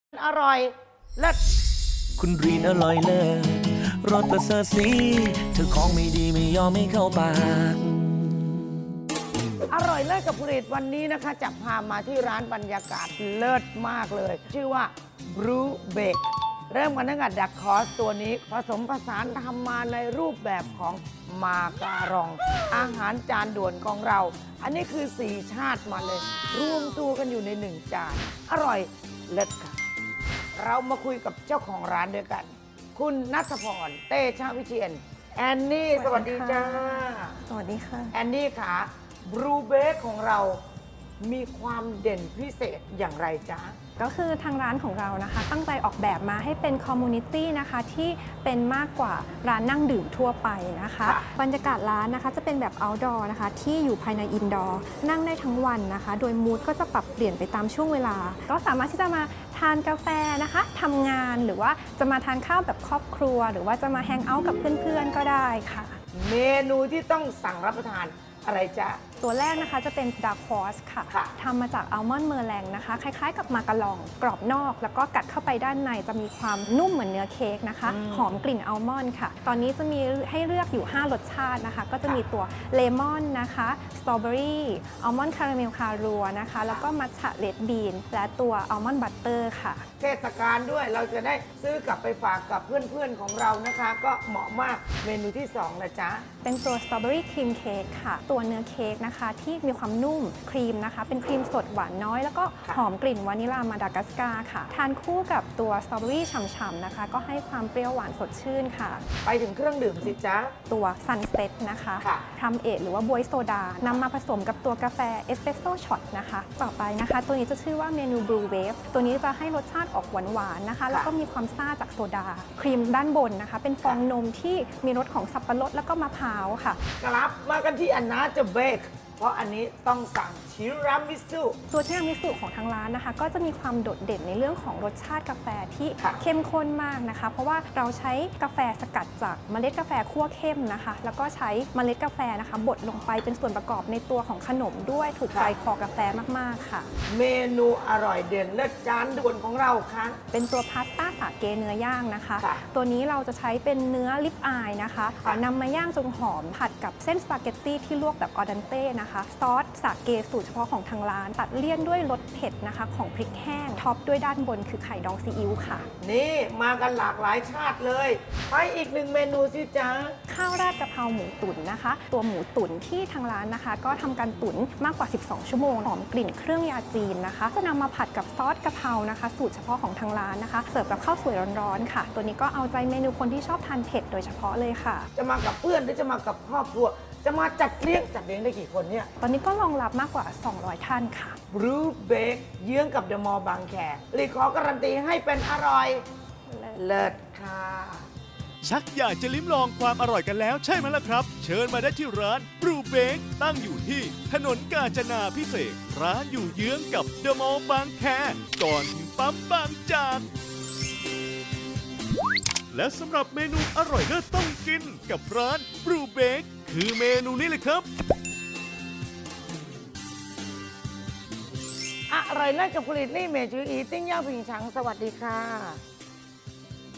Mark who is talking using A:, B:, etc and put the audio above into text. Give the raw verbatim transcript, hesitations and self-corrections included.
A: อร่อยเลิศ
B: คุณรีนอร่อยเลิศรสประเสริฐสีเธอของไม่ดีไม่ยอมไม่เข้าปาก
A: อร่อยเลิศกับผลิตวันนี้นะคะจะพามาที่ร้านบรรยากาศเลิศมากเลย ชื่อว่า Brew Bake เริ่มกันตั้งแต่ดักคอสตัวนี้ผสมผสานทำมาในรูปแบบของมาการอง อาหารจานด่วนของเรา อันนี้คือสี่ชาติมาเลย รวมตัวกันอยู่ในหนึ่งจาน อร่อยเลิศค่ะ เรามาคุยกับเจ้าของร้านด้วยกัน คุณณัฐพร เตชะวิเชียรแอนนี่สวัสดีจ้า
C: สวัสดีค่ะ
A: แอนนี่ค่ะบรูเบคของเรามีความเด่นพิเศษอย่างไรจ๊ะ
C: ก็คือทางร้านของเรานะคะ ตั้งใจออกแบบมาให้เป็นคอมมูนิตี้นะคะที่เป็นมากกว่าร้านนั่งดื่มทั่วไปนะคะ
A: ค่ะ
C: บรรยากาศร้านนะคะจะเป็นแบบ outdoor นะคะที่อยู่ภายใน indoor นั่งได้ทั้งวันนะคะ โดยมูดก็จะปรับเปลี่ยนไปตามช่วงเวลา ก็สามารถที่จะมาทานกาแฟนะคะทำงานหรือว่าจะมาทานข้าวแบบครอบครัว หรือว่าจะมาแฮงเอาท์กับเพื่อนๆก็ได้ค่ะ
A: เมนูที่ต้องสั่งรับประทานอะไรจ๊ะ
C: ตัวแรกนะคะจะเป็นดาร์คฮอสค่ะ
A: ค่ะ
C: ทำมาจากอัลมอนด์เมอร์แรงนะคะ คล้ายๆกับมากะลอง กรอบนอก แล้วก็กัดเข้าไปด้านในจะมีความนุ่มเหมือนเนื้อเค้กนะคะ
A: อืม
C: หอมกลิ่นอัลมอนด์ค่ะ ตอนนี้จะมีให้เลือกอยู่ ห้ารสชาตินะคะ ก็จะมีตัวเลมอนนะคะสตรอเบอรี่อัลมอนด์คาราเมลคารัวนะคะ แล้วก็มัทฉะเรดบีนและตัวอัลมอนด์บัตเตอร์ค่ะ
A: เทศกาลด้วยเราจะได้ซื้อกลับไปฝากกับเพื่อนๆของเรานะคะ ก็เหมาะมากเมนูที่สองนะจ๊ะ
C: เป็นตัวสตรอเบอรี่ครีมเค้กค่ะ ตัวเนื้อเค้กนะคะที่มีความนุ่มครีมนะคะ เป็นครีมสดหวานน้อย แล้วก็
A: ค่ะ
C: หอมกลิ่นวานิลามาดากัสการ์ค่ะ ทานคู่กับตัวสตรอเบอรี่ฉ่ำๆนะคะ ก็ให้ความเปรี้ยวหวานสดชื่นค่ะ
A: ไปถึงเครื่องดื่มสิจ๊ะ
C: ตัวซันเซ็ตนะคะ
A: ค่ะ
C: ทำเอทหรือว่าบวยโซดานำมาผสมกับตัวกาแฟเอสเปรสโซ่ช็อตนะคะ ต่อไปนะคะ ตัวนี้จะชื่อว่าเมนูบลูเวฟตัวนี้จะให้รสชาติออกหวานๆนะคะ แล้วก็มีความซ่าจากโซดา ครีมด้านบนนะคะ เป็นฟองนมที่มีรสของสับปะรดแล้วก็มะพร้าวค่ะ
A: กลับมากันที่อันนาจะเบคเพราะอันนี้ต้องสั่งชิรามิสุ
C: ตัวที่รามิสุของทางร้านนะคะ ก็จะมีความโดดเด่นในเรื่องของรสชาติกาแฟที่
A: ค่ะ
C: เข้มข้นมากนะคะ เพราะว่าเราใช้กาแฟสกัดจากเมล็ดกาแฟคั่วเข้มนะคะ แล้วก็ใช้เมล็ดกาแฟนะคะบดลงไปเป็นส่วนประกอบในตัวของขนมด้วยถูกใจคอกาแฟมากๆค่ะ
A: เมนูอร่อยเด่นเลิศจานด่วนของเราค่ะ
C: เป็นตัวพาสต้าสาเกเนื้อย่างนะคะ
A: ค่ะ
C: ตัวนี้เราจะใช้เป็นเนื้อลิปอายนะคะ
A: ค่ะ
C: นำมาย่างจนหอมผัดกับเส้นสปาเกตตี้ที่ลวกแบบออดันเต้นะคะซอสสาเกสูตรเฉพาะของทางร้าน ตัดเลี่ยนด้วยรสเผ็ดนะคะของพริกแห้งท็อปด้วยด้านบนคือไข่ดองซีอิ๊วค่ะ
A: นี่มากันหลากหลายชาติเลย ไปอีกหนึ่งเมนูสิจ๊ะ
C: ข้าวราดกะเพราหมูตุ๋นนะคะ ตัวหมูตุ๋นที่ทางร้านนะคะ ก็ทำการตุ๋นมากกว่า สิบสอง ชั่วโมงหอมกลิ่นเครื่องยาจีนนะคะ จะนำมาผัดกับซอสกะเพรานะคะ สูตรเฉพาะของทางร้านนะคะ เสิร์ฟกับข้าวสวยร้อนๆค่ะ ตัวนี้ก็เอาใจเมนูคนที่ชอบทานเผ็ดโดยเฉพาะเลยค่ะ
A: จะมากับเพื่อนหรือจะมากับครอบครัว จะมาจัดเลี้ยงจัดเลี้ยงได้กี่คนเนี่ย
C: ตอนนี้ก็รองรับมากกว่า สองร้อย ท่านค่ะ
A: บรูเบคเยื้องกับเดอะมอลล์บางแครีขอการันตีให้เป็นอร่อย เลิศค่ะ
D: ชักอยากจะลิ้มลองความอร่อยกันแล้วใช่ไหมล่ะครับ เชิญมาได้ที่ร้านบรูเบกตั้งอยู่ที่ถนนกาญจนาพิเศษกร้านอยู่เยื้องกับเดอะมอลล์บางแคก่อนถึงปั๊มบางจาก และสำหรับเมนูอร่อยเลิศต้องกินกับร้านบรูเบกคือเมนูนี้เลยครับ
A: อร่อยเลิศกับผลิตนี่เมจูอีติ้งย่างผิงฉังสวัสดีค่ะ